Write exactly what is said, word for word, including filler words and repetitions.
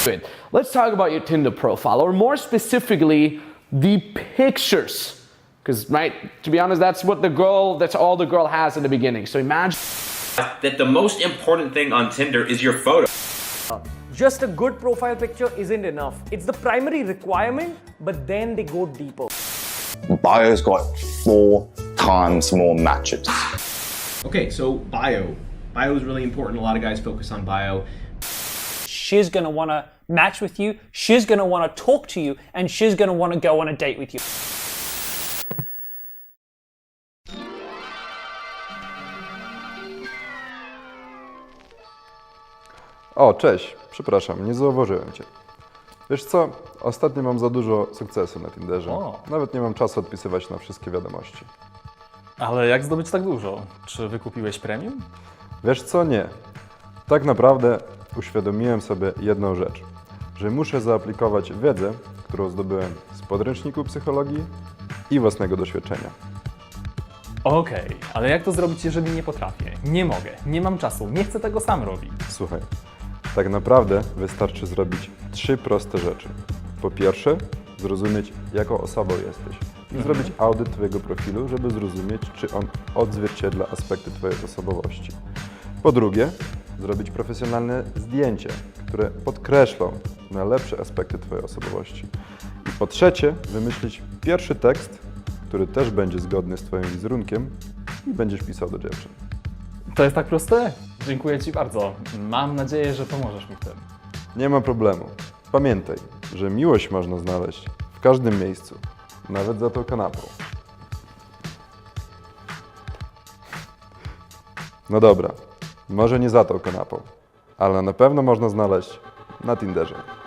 Let's talk about your Tinder profile, or more specifically, the pictures. Because, right, to be honest, that's what the girl, that's all the girl has in the beginning. So imagine that the most important thing on Tinder is your photo. Just a good profile picture isn't enough. It's the primary requirement, but then they go deeper. Bio's got four times more matches. Okay, so bio. Bio is really important. A lot of guys focus on bio. She's gonna wanna match with you, she's gonna wanna talk to you, and she's gonna wanna go on a date with you. O, cześć. Przepraszam, nie zauważyłem Cię. Wiesz co? Ostatnio mam za dużo sukcesu na Tinderze. O. Nawet nie mam czasu odpisywać na wszystkie wiadomości. Ale jak zdobyć tak dużo? Czy wykupiłeś premium? Wiesz co? Nie. Tak naprawdę uświadomiłem sobie jedną rzecz. Że muszę zaaplikować wiedzę, którą zdobyłem z podręczniku psychologii i własnego doświadczenia. Okej, ale jak to zrobić, jeżeli nie potrafię? Nie mogę, nie mam czasu, nie chcę tego sam robić. Słuchaj, tak naprawdę wystarczy zrobić trzy proste rzeczy. Po pierwsze, zrozumieć, jaką osobą jesteś i zrobić audyt Twojego profilu, żeby zrozumieć, czy on odzwierciedla aspekty Twojej osobowości. Po drugie, zrobić profesjonalne zdjęcie, które podkreślą najlepsze aspekty Twojej osobowości. I po trzecie, wymyślić pierwszy tekst, który też będzie zgodny z Twoim wizerunkiem i będziesz pisał do dziewczyn. To jest tak proste? Dziękuję Ci bardzo. Mam nadzieję, że pomożesz mi w tym. Nie ma problemu. Pamiętaj, że miłość można znaleźć w każdym miejscu, nawet za tą kanapą. No dobra, może nie za tą kanapą, ale na pewno można znaleźć na Tinderze.